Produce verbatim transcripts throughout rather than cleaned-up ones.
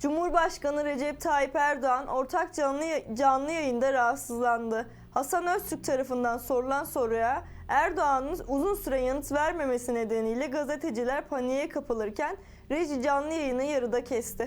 Cumhurbaşkanı Recep Tayyip Erdoğan ortak canlı, canlı yayında rahatsızlandı. Hasan Öztürk tarafından sorulan soruya Erdoğan'ın uzun süre yanıt vermemesi nedeniyle gazeteciler paniğe kapılırken reji canlı yayını yarıda kesti.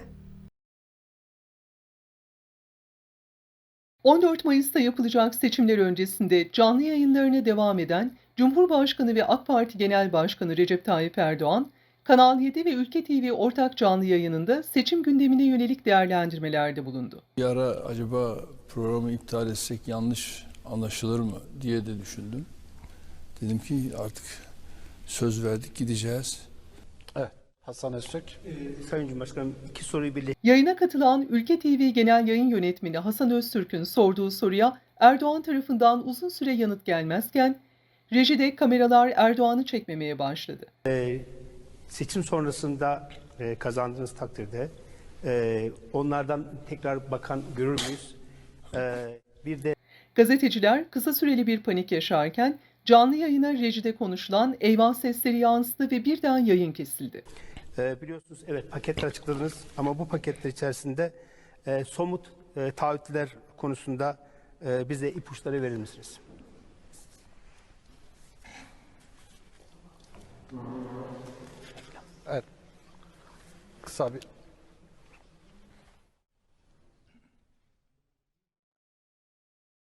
on dört Mayıs'ta yapılacak seçimler öncesinde canlı yayınlarına devam eden Cumhurbaşkanı ve AK Parti Genel Başkanı Recep Tayyip Erdoğan, Kanal yedi ve Ülke T V ortak canlı yayınında seçim gündemine yönelik değerlendirmelerde bulundu. Bir ara acaba programı iptal etsek yanlış anlaşılır mı diye de düşündüm. Dedim ki artık söz verdik, gideceğiz. Evet, Hasan Öztürk. Ee, Sayın Cumhurbaşkanım, iki soruyu birleştirdim. Yayına katılan Ülke T V Genel Yayın Yönetmeni Hasan Öztürk'ün sorduğu soruya Erdoğan tarafından uzun süre yanıt gelmezken, rejide kameralar Erdoğan'ı çekmemeye başladı. Ee, seçim sonrasında e, kazandığınız takdirde e, onlardan tekrar bakan görür müyüz? Ee, bir de Gazeteciler kısa süreli bir panik yaşarken canlı yayına rejide konuşulan eyvah sesleri yansıdı ve birden yayın kesildi. e, biliyorsunuz evet paketler açıkladınız ama bu paketler içerisinde e, somut e, taahhütler konusunda e, bize ipuçları verir misiniz? Evet. Kısa bir